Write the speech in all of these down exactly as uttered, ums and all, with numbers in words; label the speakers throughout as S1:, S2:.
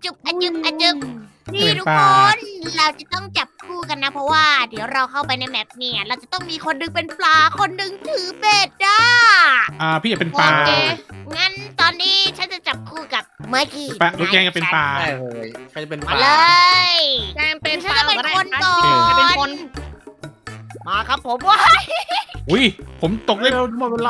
S1: จุบอะจุบอะจุบนี่ทุกคน เราจะต้องจับคู่กันนะ เพราะว่า เดี๋ยวเราเข้าไปในแมปเนี่ย เราจะต้องมีคนหนึงเป็นปลา คนหนึงถือเบ็ดอ่ะ
S2: อ่าพี่อยากเป็นปลา
S1: โอเค งั้นตอนนี้ฉันจะจับคู่กับเมื่อกี้
S2: ปลาลูกแกงจะเป็นปลา
S3: ได้เลยใครจะเป็นป
S1: มา
S3: ลา
S1: เลย
S4: แจงเป็น
S1: ฉันจะเป็นคนก่อ
S4: ใครเป็นคน
S1: น มาครับผมว่า
S2: อุ้ยผมตกได้
S3: เร็วหมดเวลา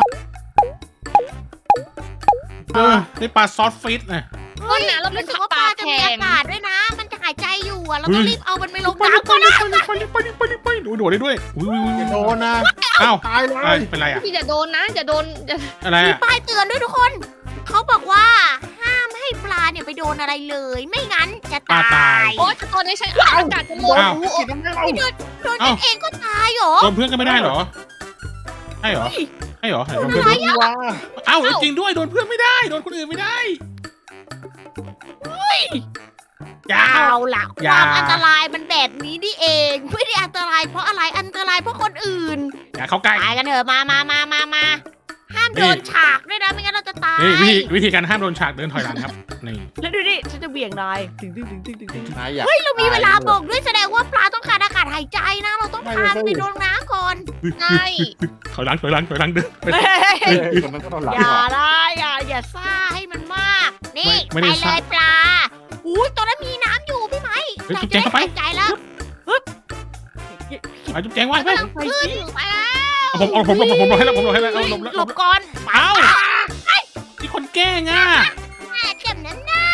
S2: เออได้ปลาซอสฟิตนะ
S4: คนน่ะเราเป็น
S1: รู้สึก
S4: ป
S1: ว่าป
S4: ลา
S1: ลาจะ
S4: แข็
S1: มีอาง กาศด้วยนะ มันจะหายใจอยู่อะเรา
S2: เฮ้
S1: ต้อง
S2: ย
S1: รีบเอามันไปลง
S2: ไปดิ
S1: น้ำ
S2: ไป
S1: ก่อน
S2: ดิ
S1: นะ
S2: ไปดิไปดิไปดิไปดิไปดิหนูโดดได้ด้วยอุ้ยอุ้ย
S3: อย่าโด
S2: อุ้ย
S3: นนะ
S2: อ้าว
S3: ตายเล
S2: เอ้ย
S3: ย
S2: เป็นไรอ่ะ
S4: พี่อย่าโดนนะอย่าโดนอย่า
S2: อะไร
S1: มี
S2: อ่ะ
S1: ป้ายเตือนด้วยทุกคน เขาบอกว่าห้ามให้ปลาเนี่ยไปโดนอะไรเลย ไม่งั้นจะตาย
S4: โอ๊ยแต่ตอนนี้ฉันอากาศจะหมด
S2: อ้าว
S3: กินน้ำไม่เอา
S1: ไม่โดนโดนกันเองก็ตายเหรอ
S2: โดนเพื่อนก็ไม่ได้เหรอใช่เหรอใช่เหรอโดนเพื่อน
S3: ดีว่า
S2: เอ้าจริงด้วยโดนเพื่อนไม่ได้โดนคนอื่นไม่ได้อย่า
S1: เอาล่ะค
S2: อย่า
S1: วามอันตรายมันแบบนี้นี่เอง ไม่ได้อันตรายเพราะอะไรอันตรายเพราะคนอื่น
S2: อย่าเข้าใกล้
S1: ตายกันเถอะมามามามามาห้าม
S2: นี่
S1: โดนฉากด้วยนะไม่งั้นเราจะตาย
S2: นี่วิธีวิธีการห้ามโดนฉากเดินถอยหลังครับนี่
S1: แล้วดูดิฉันจะเบี่ยงนายถึงถึงถึงถึงถึงถึง
S3: นายอยาก
S1: เฮ้ยเรามีเวลาบอกด้วยแสดงว่าปลาต้องการอากาศหายใจนะ เราต้องพามันไปโดนน้ำก่อน
S4: ใช่
S2: ถอยหลังถอยหลังถอยหลังเดินไป
S3: เออคนนั้นก็ต้องหลับ
S1: อย่า
S3: ก่อน
S1: ได้อย่าอย่าซ่าให้มันมาก นี่
S2: ไม่
S1: ไป
S2: ได้
S1: เล
S2: ซ่า
S1: ยปลาอุ้ยตอนนั้นมีน้ำอยู่พี่ไหม
S2: เฮ้ย
S1: เรา
S2: จุ๊บ
S1: จะ
S2: แจง
S1: ได้
S2: เข้าไป
S1: หายใจแล้ว
S2: เอาจุ๊บแจงไว้ไป
S1: ขึ้นไปแล้ว
S2: เอาผมเอาผมผมผมหลบให้แล้วผมหลบให้แล้วเอาหลบแล้ว
S1: หลบก่อน
S2: เอ้าที่คนแกล้งอ่ะ
S1: แม่เจ็บนั้นน่ะ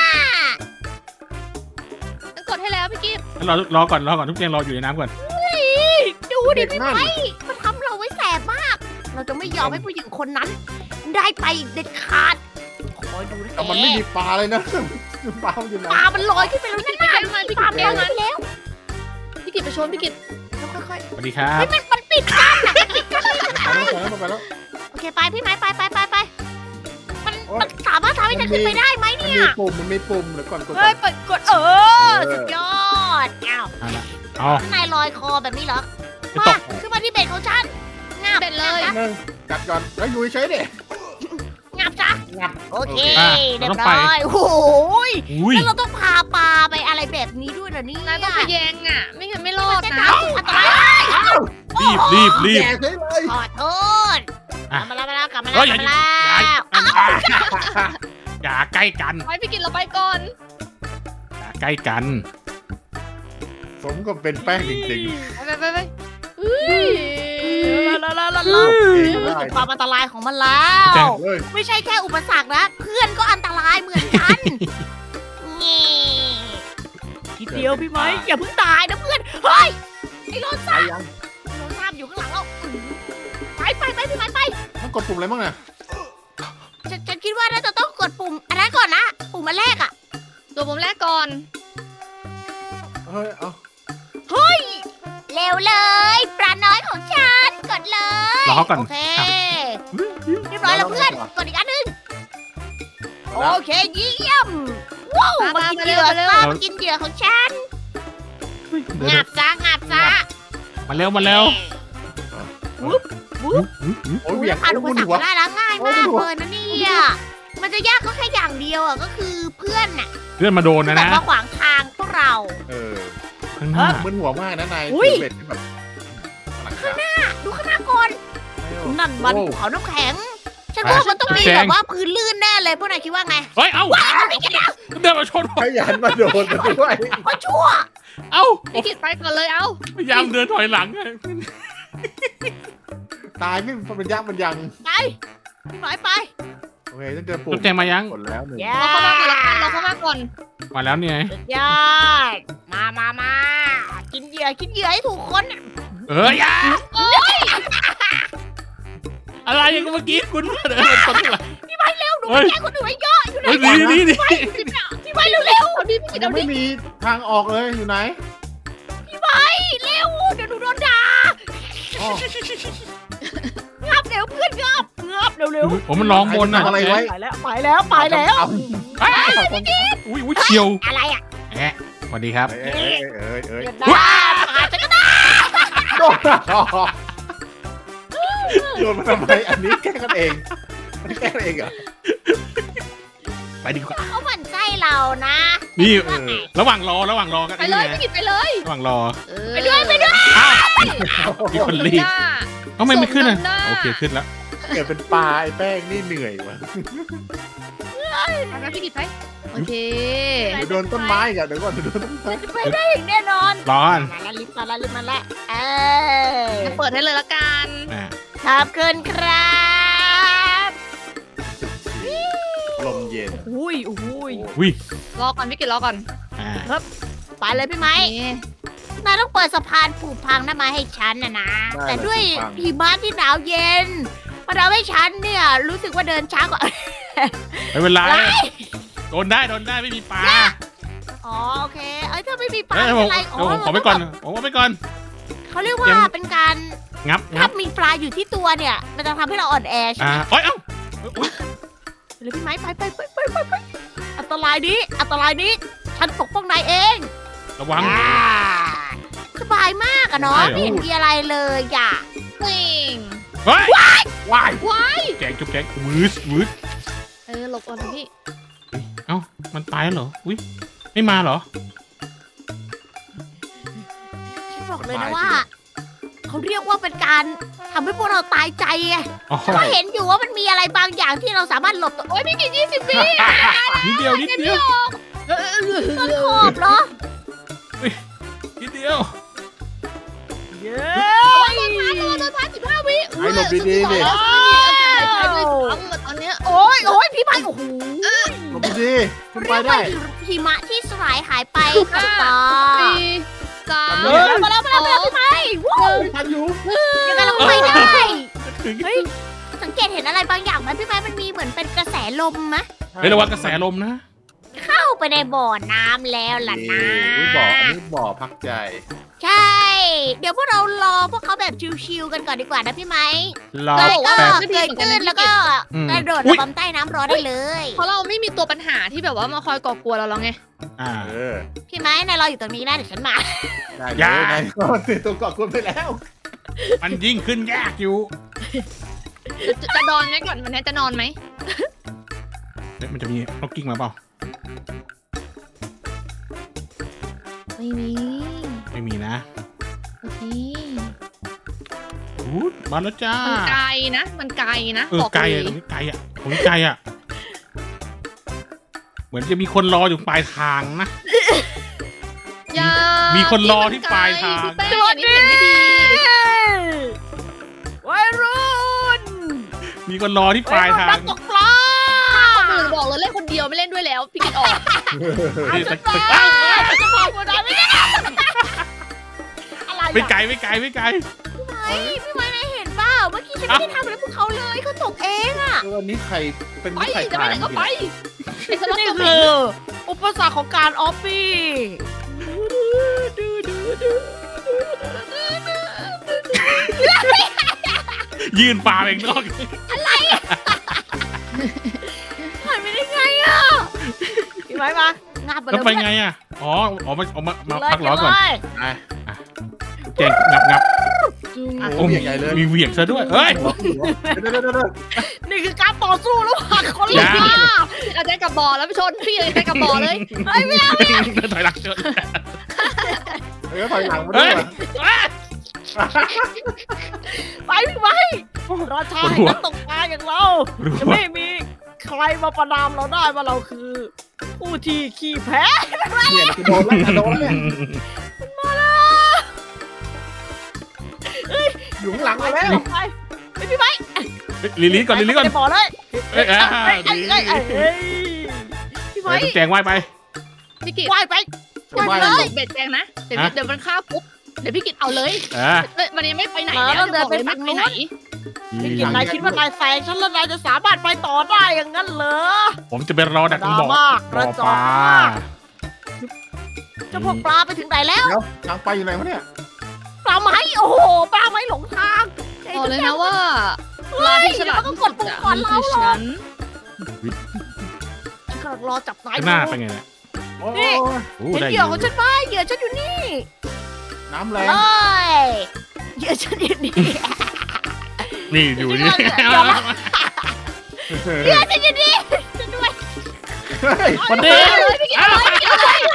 S4: ฉันกดให้แล้วพี่กิ๊ฟ
S2: รอรอก่อนรอก่อนทุกแจงรออยู่ในน้ำก่อน
S1: ดูดิ
S3: เด็ก
S1: พี่
S3: นั่น
S1: ไหมมันทำเราไว้แสบมาก เราจะไม่ยอมให้ผู้หญิงคนนั้น ได้ไปอีกเด็ดขาดคอยดูนะ
S3: แต่มันไม่มีปลาเลยนะปลามันอยู่ไหน
S1: ปลามันลอยขึ้นไปแล้วนั่นน่ะ
S4: พี่กิ๊ฟมาพี่
S1: ปลา
S4: กิ๊ฟ
S1: มันลอย
S4: มา
S1: ไปแล้ว
S4: พี่กิ๊ฟไปชนพี่กิ๊ฟ
S1: ค่อย
S2: สวัสดีครับ
S1: ๆเฮ้ยมันมันปิดกั้นน่ะมันปิดกั้น
S3: ไปแล้วไปแล้ว
S1: โอเคไปพี่ไหมไปไปไปไปมันมันสามารถทำให้ฉันขึ้นไปได้ไหม
S3: มัน
S1: เนี่ย
S3: มีปุ่มมันมีปุ่มเดี๋ยวก่อนกดก่
S1: เฮ้
S3: อย น
S1: เปิดกดเออ
S3: เออ
S1: สุดยอดอ้าว
S2: เอาละเอา
S1: ข้างในลอยคอแบบนี้เหรอ
S2: ไม่
S1: มา
S2: ตก
S1: ขึ้นมาที่เบ็ดของฉันงับ
S4: เด็ดเลย
S1: งับ
S3: นึงกัดก่อนแล้วอยู่เฉยๆดิ
S1: งับจ้ะ
S3: งับ
S1: โอเค
S2: อ่ะ
S1: เรีย
S2: เรา
S1: บ
S2: ต้อง
S1: ร้
S2: ไป
S1: อยโอ้โหย
S2: อุ้ย
S1: แล้วเราต้องพาปลาไปอะไรแบบนี้ด้วยเหรอเนี่ย
S4: นายต้องทะแยงอ่ะ ไม่งั้นไม่รอด
S1: เส้น
S4: นะ
S1: ทางสุดอันตราย
S2: รีบรีบรีบ
S3: แย่เลยเลย
S1: ขอโทษก
S2: อ่ะ
S1: ลับมาแล้วมาแล้วกลับมา
S2: เฮ้
S1: แล้ว
S2: ย
S1: กลับมา
S2: อย่า
S1: แล้ว
S2: อย่าใกล้กัน
S4: ไปพี่กิ๊ฟเราไปก่อน
S2: อย่าใกล้กัน
S3: สมกับเป็นแป้งจริง
S4: ไปไปไปไปอุ้ย
S1: แล้วแล้วแล้ว
S3: ๆ
S1: แล้ว
S3: เอง
S1: รู้
S3: ได้
S1: สึกความอันตรายของมันแล้ว
S3: เลย
S1: ไม่ใช่แค่อุปสรรคนะ เพื่อนก็อันตรายเหมือนกันนี่ทีเดียวพี่ไหมอย่าเพิ่งตายนะเพื่อน เฮ้ย ไอ้โร
S3: ไป
S1: ซ่า
S3: ยัง
S1: โรซ่าอยู่ข้างหลังเราไปไปไปพี่ไหมไป
S3: ต้องกดปุ่มอะไรบ้างเนี่ย
S1: ฉันฉันคิดว่าน่าจะต้องกดปุ่มอันนั้นก่อนนะ ปุ่มอันแรกอะ
S4: ตัวผมแรกก่อน
S3: เฮ้ยเอา
S1: เฮ้ย เร็วเลย ปลาน้อยของฉัน กดเลย
S2: รอเขาก่อน
S1: โอเค เรียบร้อยแล้วเพื่อน กดอีกอันหนึง โอเคเยี่ยม ว้าว
S4: มา
S1: มา
S4: มา
S1: กิน
S4: มา
S1: เห
S4: เร็
S1: ยื่
S4: ว
S1: อ
S4: มาเร็ว
S1: ซะมากินเหยื่อของฉัน
S2: เดี๋ยว
S1: งับซะงับซะ
S2: มาเร็วมาเร็ว
S3: โอ้ย
S1: อุ้
S3: เบี่
S1: ย
S3: ยง
S1: ผ่านอุป
S3: โอ้ย
S1: สรรค
S3: หัว
S1: มาได้แล้วง่ายมาก
S3: โอ้ยหัว
S1: เลยนะเนี่ยมันจะยากก็แค่อย่างเดียวอ่ะก็คือเพื่อนน่ะ
S2: เพื่อนมาโดน
S1: ที่
S2: นะ
S1: แบบ
S2: นะ
S1: มาขวางทางพวกเรา
S3: เออ
S2: ข้างหน้า
S3: มึนหัวมากนะนาย
S1: อุ้ย
S3: ถือเบ็ดที่แบบหลังจาก
S1: ดูข้างหน้าก่อน นั่นมัน
S3: โอ้
S1: ภูเขาน้ำแข็ง ฉันว่ามันต้องมีแบบว่าพื้นลื่นแน่เลยพวกนายคิดว่าไง
S2: เฮ้ยเอ้า
S1: ว้าวไม่กันนะ
S2: เดินมาชนผม
S3: ขยันมาโดนมาด้วย
S1: เพราะชั่ว
S2: เอ้า
S4: พี่กิ๊ฟไปก่อนเลยเอ้า
S2: พยายามเดินถอยหลัง
S3: ตายไม่เป็นยักษ์มันยัง
S1: ไปพี่หมายไป
S3: โอเคต้องเจอปุ่
S2: จุ๊
S3: ม
S2: บแจงมายัง
S3: กดแล้วหนึ่ง
S1: แย่
S4: เราเข้ามาก่อนละกันเราเข้ามาก่อน
S2: มาแล้วนี่ไง
S1: สุดยอดมามามากินเหยื่อกินเหยื่อให้ถูกคนน่ะ
S2: เอ้ยอย่าอะไรอย่างเมื่อกี้คุณเดินมาชนหลัง
S1: พี่ไปเร็วหนู
S2: เฮ้ย
S1: แย่งคนอื่นไว้เยอะอยู่ไหน
S2: เฮ้ยดีดีดี
S1: พี่ไปเร็วเร็ว
S4: เอาดิพี่กิ๊ฟ
S3: ยั
S4: เอา
S3: ง
S4: ดิ
S3: ไม่มีทางออกเลยอยู่ไหน
S1: พี่ไปเร็วเดี๋ยวหนูโดนด่า
S3: อ๋อ
S1: งับเร็วเพื่อนงับงับเร็วเร็ว
S2: ผมมันร้องบนอ่ะ
S3: ทำอะไรไว้
S1: ไปแล้วไปแล้วไปแล้ว
S2: อุ้ยอุ้ยเฉียว
S1: อะไรอ่ะ
S2: แอะสวัสดีครับ
S3: เอ้ยเอ้ยเอ้ย
S1: เดี๋
S3: เอ้
S1: ยวย นะผ่านจะก็ได้
S3: โดนโดนมาทำไมอันนี้แกล้งกันเองแกล้งกันเองเหรอ
S2: ไปดีกว่า
S1: เขาหมั่นไส้เรานะ
S2: นี่
S1: ว่าไง
S2: ระหว่างรอระหว่างรอกัน
S4: ไปเลย
S2: นี่
S4: พี่
S2: ไง
S4: กิจไปเลย
S2: ระหว่างรอ
S4: เออ
S1: ไปด้วยไปด้วย
S2: มีคนรีบ
S4: หน้า
S2: เอ้าไม่ไม่ขึ้นอ่ะ
S4: ส่งนำหน้า
S2: โอเคขึ้นแล้ว
S3: เกิดเป็นปลาไอ้แป้งนี่เหนื่อยว่ะ
S4: ไปไปพี่กิจไปโอเค
S3: เดี๋ยวโดนต้นไม้อีกันเดี๋ยวก่อนเดี๋ยวโดนต้นไม้
S1: จะไปได้อย่างแน่นอน
S2: ร้อน
S1: มาแล้วลิฟต์มาแล้วลิฟต์มาแล้วเออ
S4: เปิดให้เลยละกัน
S2: อ่ะ
S1: ขอบคุณครับ
S3: ลมเย็น
S1: อุ้ยอุ้ย
S2: วิ
S4: รอก่อนพี่กิจรอก่อน
S2: อ่า
S1: ไปเลยพี่ไม้
S4: นี่
S1: นายต้องเปิดสะพานผูกพังนั่นมาให้ฉันนะนะ
S3: ได้เลย
S1: แต่ด้วย
S3: ฟัง
S1: หิมะที่หนาวเย็นมันทำให้ฉันเนี่ย รู้สึกว่าเดินช้ากว่า
S2: ไม่เป็นไร
S1: อะไร
S2: โดนได้โดนได้ไม่มีปลา
S1: อ๋อโอเค เอ้ยถ้าไม่มีปลา
S2: เอ้ย
S1: ไม่
S2: ผ
S1: เป็
S2: ม
S1: นไร
S2: เดี๋ยวผมขอไปก่อนผมเอาไปก่อน
S1: เขาเรียกว่า
S2: ยัง
S1: เป็นการ
S2: งับงั
S1: ถ้า
S2: บ
S1: มีปลาอยู่ที่ตัวเนี่ย มันจะทำให้เราอ่อนแอใช่
S2: อ่า
S1: ไหม
S2: โอ้ยเอ้าอุ๊ย
S1: หรือพี่ไม้ไปไปไปไปไปไปอันตรายนี้อันตรายนี้ ฉันปกป้องนายเอง
S2: ระวัง
S1: อ่าสบายมากอะเนาะ
S2: ใช่เหรอ
S1: ไม่เห็นมีอะไรเลยอ่ะ
S4: ปิง
S2: เฮ้ย
S3: ว้าย
S4: ว้าย
S2: แกงจุ๊บแกงวืดวืด
S4: เออหลบก่อนพี่
S2: เอ้ามันตายแล้วเหรออุ้ยไม่มาเหรอ
S1: ฉันบอกเลยนะว่า เขาเรียกว่าเป็นการทำให้พวกเราตายใจไง
S2: อ๋อ
S1: ก็เห็นอยู่ว่ามันมีอะไรบางอย่างที่เราสามารถหลบตัวโอ๊ยพี่กินยี่สิบวิ
S2: นิดเดียวนิดเดียว
S1: ต้นขอบเหรอ
S2: นิดเดียว
S1: เย้
S4: โดนพัดสิบห้าวิ
S3: ให้หลบดีๆดิ
S4: ตอนเนี้ย
S1: โอ้ยโอ้ยพี่ไม้โอ้โห
S3: หลบดีๆคุณไป
S1: เรียกว่า
S3: ได้
S1: หิมะที่สลายหายไปค่ะตา
S4: สี่สาม
S3: เอ
S1: มาแล้วมาแล้วมาแล้วมาแล้วพี่ไม้ว้าว
S3: ทันอยู่
S1: ยังไงเราไปได้
S2: ถึง
S1: เฮ้ยสังเกตเห็นอะไรบางอย่างไหมพี่ไม้มันมีเหมือนเป็นกระแสลมไหม
S2: เฮ้ยระวังกระแสลมนะ
S1: เข้าไปในบ่อน้ำแล้วล่ะนะ
S3: นี่บ่ออันนี้บ่อพักใจ
S1: ใช่ เดี๋ยวพวกเรารอพวกเขาแบบชิวๆกันก่อนดีกว่านะพี่ไม้
S2: รอ
S1: แล้วก็
S2: แป๊บ
S1: เกยตื้นแล้วก็
S2: อืม
S1: กระโดด
S2: อุ๊
S1: ระ
S2: ย
S1: บำใต้น้ำรอได้เลย
S4: เพราะเราไม่มีตัวปัญหาที่แบบว่ามาคอยก่อกวนเราแล้วไง
S2: อ่า
S3: เออ
S1: พี่ไม้นายรออยู่ตรงนี้นะเดี๋ยวฉันมา
S3: ได้
S2: อย่า
S3: เลยนายก็ติดตัวเกาะคุณไปแล้ว
S2: มันยิ่งขึ้นยากอยู่
S4: จะจะนอนไหมก่อนวันนี้จะนอนไหม
S2: เฮ้ยมันจะมีนกกิ้งมาเปล่า
S4: ไม่มี
S2: ไม่มีนะ
S4: โอเค
S2: อู้มาแล้วจ้า
S4: มันไกลนะ มันไกลนะ
S2: เออ
S4: บอก
S2: ไกล
S4: เล
S2: อะ
S4: ย
S2: ตรงนี้ไกลอะตรงนี้ไกลอะเหมือนจะมีคนรออยู่ปลายทางนะ
S4: อย่า
S2: มีคนรอที่ปลายทาง
S4: พี่แป้งอันนี้เห็นไม่ดี
S1: วัยรุ่น
S2: มีคนรอที่ปลายทา
S1: นั
S2: ง
S1: กตกปลา
S4: คนอื่นบอกเลยเล่นคนเดียวไม่เล่นด้วยแล้ว พี่กิดออก
S2: นี่
S1: ฉั
S2: ตึ
S1: น
S2: ก
S1: มา
S2: ตึก
S1: ฉันจะบอกคุณนายไม่ได้อะไร
S2: ไม่
S1: อะ
S2: ไกลไม่ไกลไม่ไกล
S1: ไอ้พี่ไม้นายเห็นเปล่าเมื่อกี้ฉันไม่ได้ทำอะไรพวกเขาเลยเขาตกเองอะ
S3: เออวันนี้ใครเป็น
S4: ไป
S3: ใคร
S4: จะไป
S3: ถ่าย
S4: ไหนก็ไปไอ้สล็อต
S1: นี่
S4: ตัว
S1: คืออุปสรรคของการออฟฟี่
S2: ยืนปลาเองนอก
S1: ผ่านไปได้ไงอะพี่ไม้มางาบไป
S2: แล้ว
S1: เลย
S2: ไปไงอะอ๋อออกมาออกมามา
S1: เลย
S2: พักร้อนก่อน
S1: เลย
S2: แจงงับงับ
S3: โอ้
S2: โอ้
S3: โห
S2: มี
S3: ใหญ่เลย
S2: มีเหวี่ยงซะด้วยเฮ้ย
S3: เดี๋ยวเดี๋ยวเดี๋ยวเดี๋ยว
S1: นี่คือการต่อสู้ระหว่างคน
S2: อย่า
S1: ล่า
S4: เอาใจกับบอแล้วไปชนพี่เลยใจกับบอเลย
S1: เฮ้ยไม่เอา
S2: ถอยหลังเจอ
S3: เออถอยหลังมาด้วยว่ะ
S1: ไปพี่ไม้ราชาแห่งนักตกปลาอย่างเรา
S2: รู้
S1: จะ
S2: ว่า
S1: ไม่มีใครมาประนามเราได้ว่าเราคือ ผู้ที่ขี้แพ้
S3: เนี่ยจะโดนแล้วจะโดนแล้วเนี่ย
S1: มาแล้ว
S3: อยู่ข้างหลังมาแล้ว
S1: ไปไปพี่ไม้
S2: ลิลี่ก่อนลิลี่ก่อน
S1: ไปบ่อเลย
S2: เอ้ยอ่า
S1: เอ้ยเอ้ย
S2: ดี
S1: เอ้ยเอ้ยเอ้ยพี่
S2: ไป
S1: ไม้
S2: ต้องแจงว่ายไป
S4: พี่กิด
S1: ว่ายไปช่วย
S3: ว่าย
S1: เล
S4: ต
S1: ย
S4: กเบ็ดแจงนะ เดี๋ยว
S2: ฮะ
S4: เดี๋ยวมันฆ่าปุ๊บ เดี๋ยวพี่กิดเอาเลย
S2: อ่า
S4: เอ้ยมันยังไม่ไปไหน
S1: มา
S4: แล้ว
S1: แล้ว
S4: จะบอกเลย
S1: เดินไปฝั่
S4: ไม่
S1: ง
S4: ไป
S1: นู้น
S4: ไหน
S1: พี่กินนายคิดว่านายแซงฉันแล้วนายจะสามารถไปต่อได้อย่างนั้นเหรอ
S2: ผมจะไปรอดักตรงบ่อ
S1: มาก
S2: บ่อ
S1: ระจ
S2: ป
S1: อก
S2: ลา
S1: มากเจ้าพวกปลาไปถึงไหนแล้ว
S3: เดี๋ยวทางไปอยู่ไหนวะเนี่ย
S1: ปลาไหมโอ้โหปลาไหมหลงทาง
S4: บอกเลยนะว่าปลาที่ฉลาดที่สุดอะมันคือฉัน
S1: ฉันกำลังรอจับนาย
S2: ข้างหน้าไปไงเนี่ย
S3: โอ้
S1: นี่
S3: ย
S2: โอ้
S1: เห็น
S2: ได้
S1: เห
S2: อ
S1: ยื่อข
S2: ยู่
S1: องฉันไหมเหยื่อฉันอยู่นี่
S3: น้ำแร
S1: เล
S3: ง
S1: ยเหยื่อฉันอยู่นี่
S2: นี่อยู่นี่
S1: เดี๋ยวนะ เหยื่อฉันอยู่นี่ฉันด้วย
S3: เฮ้ย
S2: มันเด้ง
S4: เลยพี่กินเลยพี่กินเลย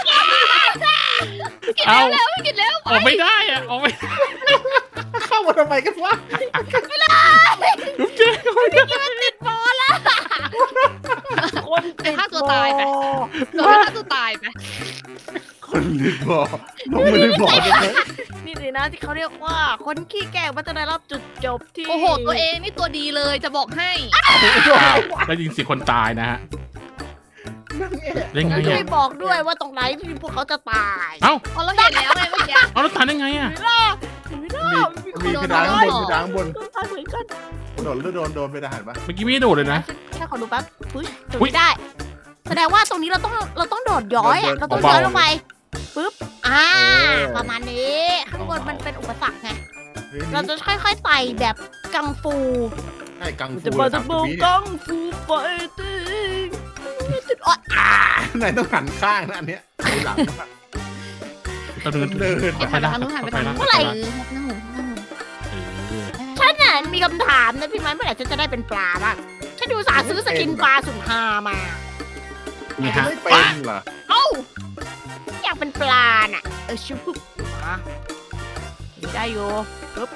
S4: พี่กิน
S2: เอา
S4: แล้วพี่กินแล้ว
S2: ออกไม่ได้อะออกไม่
S3: เข้ามาทำไมกันวะ
S2: ทุกเจ๊ออกไม่ได้
S1: ติดบอลละคน
S4: ไปฆ่าตัวตายไปโดนฆ่าตัวตายไป
S3: คนรีบบอกน้องไม่ได้บอกเลย
S1: นี่สินะที่เขาเรียกว่าคนขี้แกล้งมันจะได้รับจุดจบที่
S4: โอ้โหตัวเองนี่ตัวดีเลยจะบอกให้
S2: อ้าวแล้วยิงสิคนตายนะฮะ
S3: นั่งเอ๊ะ
S2: ได้ไง
S1: ช่ว
S2: อ่ะ
S1: ยบอกด้วยว่าตรงไหนที่พวกเขาจะตาย
S2: เอ้า
S4: พอเราเห็นแล้วไงเมื่อกี้
S2: เอาแล้วตายได้ไงอ่ะ
S1: ไม่ได้ไม่ได้
S3: มีมีกระดานข้างบนกระดานข้างบน
S1: ต้องตายเหมือนกัน
S3: โดนแล้วโดนโดนไปทหารปะ
S2: เมื่อกี้ไม่ได้โดดเลยนะ
S1: แค่ขอดูแป๊บปึ๊ยจุด
S2: อุ๊ย
S1: ไม่ได้ แสดงว่าตรงนี้เราต้องเราต้องโดดย้อยอะเราต้อง
S2: เบาๆ
S1: ย้อยลงไปปึ๊บอ่าประมาณนี้ข้างบนมันเป็นอุปสรรคไง
S3: เฮ้ย
S1: เราจะค่อยๆไต่แบบกังฟู
S3: ใช่กังฟู
S1: จะมาจะ
S3: สามสิ
S1: บู
S3: บวิเนี่ย
S1: กังฟูไฟติ้งอ๋ออ่า
S3: ไหนต้องหันข้างนะอันเนี้ยไปหลังนะ
S2: เราเดิน
S3: เดิน
S2: ไป
S4: หันไป
S2: ละ
S4: ทางนู้นหันไปทางนู้น
S2: ไปละ
S4: เออหน้าหมูหน้าหมู
S2: เออ
S1: ฉันน่ะมีคำถามนะพี่ไม้เมื่อไหร่ฉันจะได้เป็นปลาบ้างฉันดูสาห์ซื้อสกินปลาสุนหามา
S2: นี่ฮะ
S3: ไม่เป็นเหรอ
S4: เอ้า
S1: อยากเป็นปลาน่ะเออชิบมาได้อยู่ปึ๊บ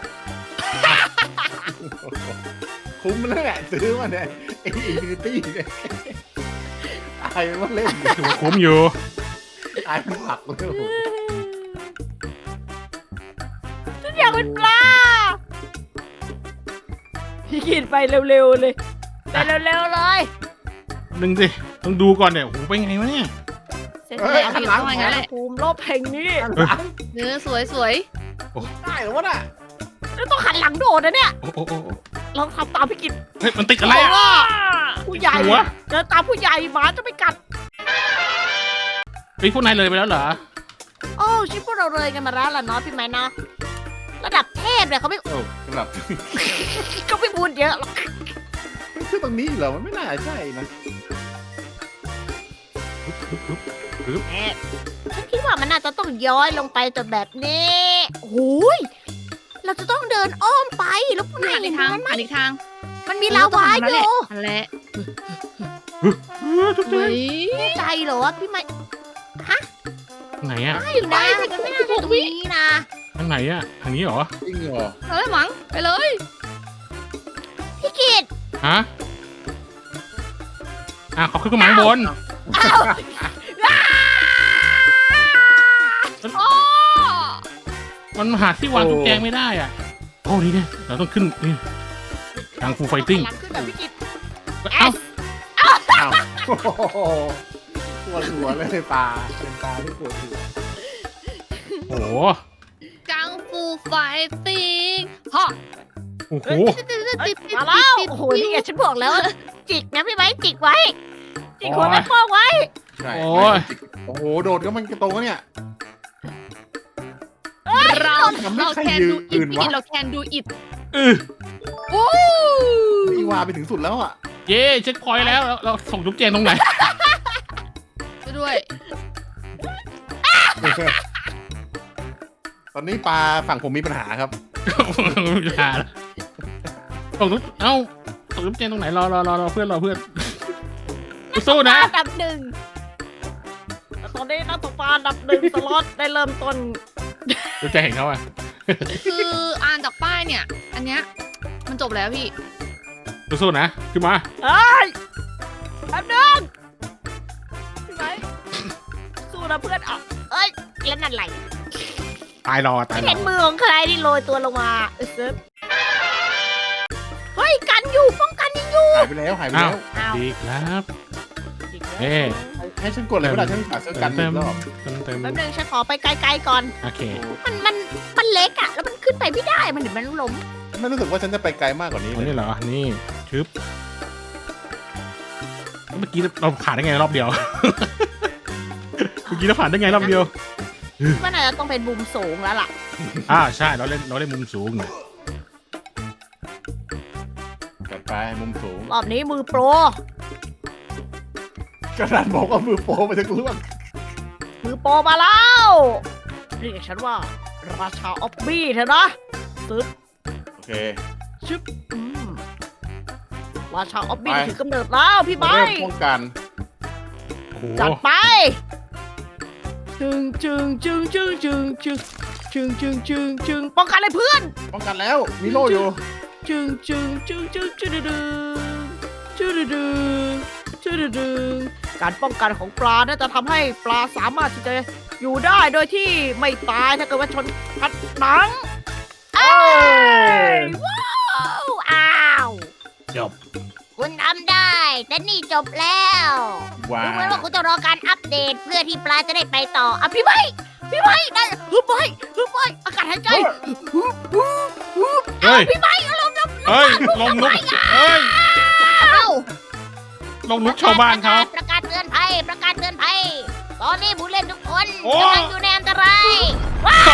S3: คุ้มแล้วแหละซื้อมาเนี่ยไอ้อินฟินิตี้เนี่ยตายมันว่าเล่น
S2: ถือว่าคุ้มอยู่
S3: ตายมันผักเลยโอ้โห
S1: ฉันอยากเป็นปลาพี่กินไปเร็วๆเลยไปเร็วๆเลย
S2: หนึ่งสิต้องดูก่อนเนี่ยโอ้โหไปไงวะเนี่ย
S1: เสร็จ
S3: เฮ้ย
S1: แล้ว
S3: หันหลัง
S4: เอาอย่างนั้นแหละ
S1: ภูมิโลกแห่งนี้
S3: หันหลัง
S4: เนื้อสวยสวย
S3: ได้เหรอวะน่ะ
S1: แล้วต้องหันหลังโดดนะเนี่ย
S2: โอ้โหโอ้โห
S1: ลองทำตามพี่กิน
S2: เฮ้ยมันติดอะไรอ่ะ
S1: ว่าผู้ใหญ่
S2: หัว
S1: เดินตามผู้ใหญ่หมาจะไม่กัด
S2: เฮ้ยพวกนายเลยไปแล้วเหรอ
S1: โอ้ชิปพวกเราเลยกันมาแล้วล่ะเนาะพี่ไม้เนาะระดับเทพเนี่ยเขาไม่
S3: โอ้สำหรับ
S1: ก็ไม่พูดเยอะหรอก
S3: มันคือตรงนี้เหรอมันไม่น่าใช่นะ
S1: แม่ฉันคิดว่ามันน่าจะต้องย้อยลงไปจนแบบนี้โอ้ยเราจะต้องเดินอ้อมไปแล้วพวก
S4: หั
S1: นาย
S4: น
S1: เห็
S4: อี
S1: น
S4: กทาง
S1: มันไหม
S4: หันอีกทาง
S1: มันมีลาวาอยู่
S4: นั่นแหละ
S2: เออทุกเจ๊
S4: เฮ้ย
S1: แน่ใจเหรอวะพี่ไม้
S2: ไหนอ่ะ
S1: ใช่นะมันไม่น่าจะตรงนี้นะ
S2: ทางไหนอ่ะทางนี้เหรอ
S3: จริงเหรอ
S4: เอาเลยมั้งไปเลย
S1: พี่กิต
S2: ฮะอ่ะเขาขึ้นมาข้างบน
S1: อ้าว
S4: อ๋อ
S2: มันหาที่วางตุ๊กแจงไม่ได้อ่ะโอ้นี่เนี่ยเราต้องขึ้นนี่ทางฟูไฟติ้ง
S1: หลังขึ้นแบบพี่กิต
S2: เอ้า
S3: อ้าวโอ้โหปวดหัวเลยปลาเป็นปลาที่ปวดหัว
S2: โอ้โห
S4: กังฟูไฟติ้งฮะ
S2: โอ้โห
S1: เอ้ยมาแล้วโอ้โหนี่ไงฉันบอกแล้วว่าจิกนะพี่ไม้จิกไว้ จิกหัวแม่โป้งไว้
S3: ใช่
S2: โอ้ย
S3: โอ้โหโดดก็มันกระโตงเนี่ย
S4: เรา
S3: ทำให้
S4: เรา
S3: ใคร
S4: แคน
S3: ยื
S4: ดู
S3: น
S4: อิ
S3: อื่
S4: ด
S3: น
S4: พี่
S3: วะ
S4: กินเราแคนดูอิด
S2: เออ
S4: โอ้
S3: อีวาไปถึงสุดแล้วอ่ะ
S2: เย้เช็คพอยต์แล้วเราเราส่งตุ๊กแจงตรงไหน
S4: ช่วยด้วย
S3: ตอนนี้ปลาฝั่งผมมีปัญหาครับ
S2: ไม่ได้แล้วส่งตุ๊กเอ้าส่งตุ๊กแจงตรงไหนรอรอรอรอเพื่อนรอเพื่อนสู้นะ
S1: อันดับหนึ่งแต่ตอนนี้นักตกปลาอันดับหนึ่งสล็อตได้เริ่มต้น
S2: ตุ๊กแจงเห็นเขาอ่ะ
S4: คืออ่านจากป้ายเนี่ย อันเนี้ยมันจบแล้วพี่
S2: สู้ๆนะขึ้นมา
S1: เอ้ยแป๊บนึงพี่ไม้สู้นะเพื่อนเอาเอ้ยแล้วนั่นไหล
S2: ตายรอตายรอ
S1: เห็นมือของใครที่โรยตัวลงมาเออเซิร์ฟเฮ้ยกันอยู่ป้องกันยังอยู่
S3: หายไปแล้วหายไป
S2: อ้าว
S3: แล้ว
S1: อ้าว
S2: ดีครับ เอ๊ะ
S3: ให้ฉันกดเลยเวลาฉันหาเสื้อกัน
S2: เต็
S3: อี
S2: ม
S3: กรอบ
S2: เต็มเต็ม
S1: แป๊บนึงฉันขอไปไกลๆก่อน
S2: โอเค
S1: มันมันมันเล็กอะแล้วมันขึ้นไปไม่ได้มันเดี๋ยวมันล้ม
S3: ไม่รู้สึกว่าฉันจะไปไกลมากกว่านี้
S2: วัน
S3: เลย
S2: นี้เหรอ นี่ชึบเมื่อกี้เราผ่านได้ไงรอบเดียว เมื่อกี้เราผ่านได้ไงรอบเดียว
S1: มันอาจจะต้องเป็นมุมสูงแล้วล่ะ
S2: อ่าใช่ เราเล่นเราเล่นมุมสูงหน่อย
S3: กลับไปมุมสูง
S1: รอบนี้มือโปร
S3: กระดานบอกว่ามือโปรไปทั้งล่วง
S1: มือโปรมาแล้วเรียกฉันว่า ราชาออฟบี้เถอะนะซึบ
S3: โอเค
S1: ชึบอืมราชาออฟบี้
S3: ไป
S1: ถือกำเนิดแล้วพี่ไม้
S3: เริ่มป้องกัน
S2: โห
S1: จัดไปจึงจึงจึงจึงจึงจึงจึงจึงจึงจึงป้องกันเลยเพื่อน
S3: ป้องกันแล้วมีโล่อยู่
S1: จึงจึงจึงจึงจึงดึงจึงดึงจึงดึงการป้องกันของปลาน่าจะทำให้ปลาสามารถที่จะอยู่ได้โดยที่ไม่ตายถ้าเกิดว่าชนกัดหนังเอ้ยว้าวอ้าว
S2: จบ
S1: คุณทำได้แต่นี่จบแล้ว
S3: ว้า
S1: ดูเหมือน
S3: ว
S1: ว่าคุณจะรอการอัปเดตเพื่อที่ปลาจะได้ไปต่ออ่ะพี่ไม้พี่ไม้ได้ฮึบไม้ฮึบไม้อากาศหายใจฮึบฮึบฮึบ
S2: เฮ้ย
S1: พี่ไม้เอาลมลม
S2: เฮ้ยลงลุกเฮ้ย
S1: เอา
S2: ลงลุกชาวบ้านเขา
S1: ประกาศเตือนภัยประกาศเตือนภัยตอนนี้ผู้เล่นทุกคน
S2: โอ้
S1: กำลังอยู่ในอันตรายว้าว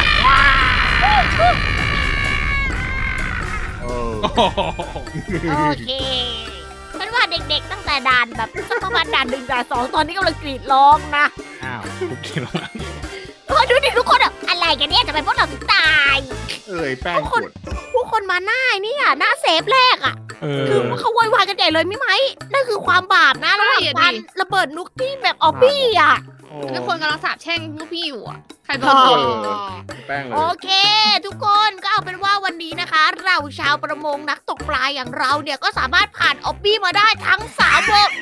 S3: เออ
S2: โอ้โห
S1: โอเคฉันว่าเด็กๆตั้งแต่ด่านแบบสักประมาณด่านหนึ่งด่านสองตอนนี้กำลังกรีดร้องนะ
S3: อ้าว
S2: ทุกทีแล้วนะ
S1: เออดูดิทุกคนอะอะไรกันเนี่ยทำไมพวกเราถึงตาย
S3: เอ้ยแป้งกด
S1: ผู้คนมาหน้าเนี่ยหน้าเซฟแรกอะ
S2: เออ
S1: คือเขาโวยวายกันใหญ่เลยไม่ไหมนั่นคือความบาปนะระหว่างการระเบิดนุกที่แบบออบบี้อะ
S3: โอ้
S4: ทุกคนกำลังสาบแช่งลูกพี่อยู่อ่ะ ใครโด
S3: เอน
S4: โดน
S3: อแป้งเล
S1: โอย เค ทุกคนก็เอาเป็นว่าวันนี้นะคะ เราชาวประมงนักตกปลาอย่างเราเนี่ยก็สามารถผ่านออบบี้มาได้ทั้งสามวง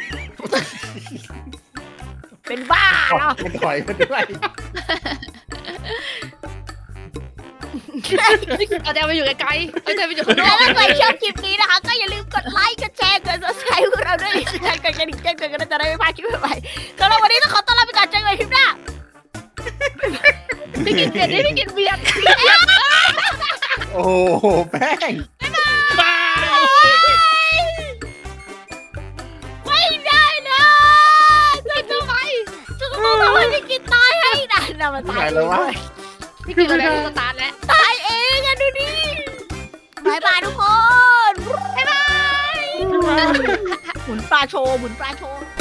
S1: เป็นบ้าเนาะ
S3: มันถอยมาด้วย
S4: เอาใจไปอยู่ไกลๆเอาใจไปอยู่ข้างน
S1: แล้
S4: อ
S1: ว
S4: ก
S1: ถ้าใครชอบคลิปนี้นะคะ ก็อย่าลืมกดไลค์ กดแชร์ กด subscribe พวกเราด้วยกดกระดิ่งแจ้งเตือนกันจะได้ไม่พลาดคลิปใหม่ๆสำหรับวันนี้ต้องขอต้อนรับไปก่อนเจอกันใหม่คลิปหน้า
S4: พี่กินเบียร์ดิพี่กินเบียร์
S3: โอ้โหแป้ง
S2: บ้า
S1: ไม่ได้นะจะทำไมจะต้องทำให้พี่กินตายให้ได้นะมัน
S3: ที่
S1: ตา
S3: ไหน
S1: ย
S3: แล้ววะ
S4: พี่กินอะไรสตาร์ทแล้ว
S1: ตายเองอะดูดิบายบายทุกคน บ๊ายบาย หมุนปลาโชว์ หมุนปลาโชว์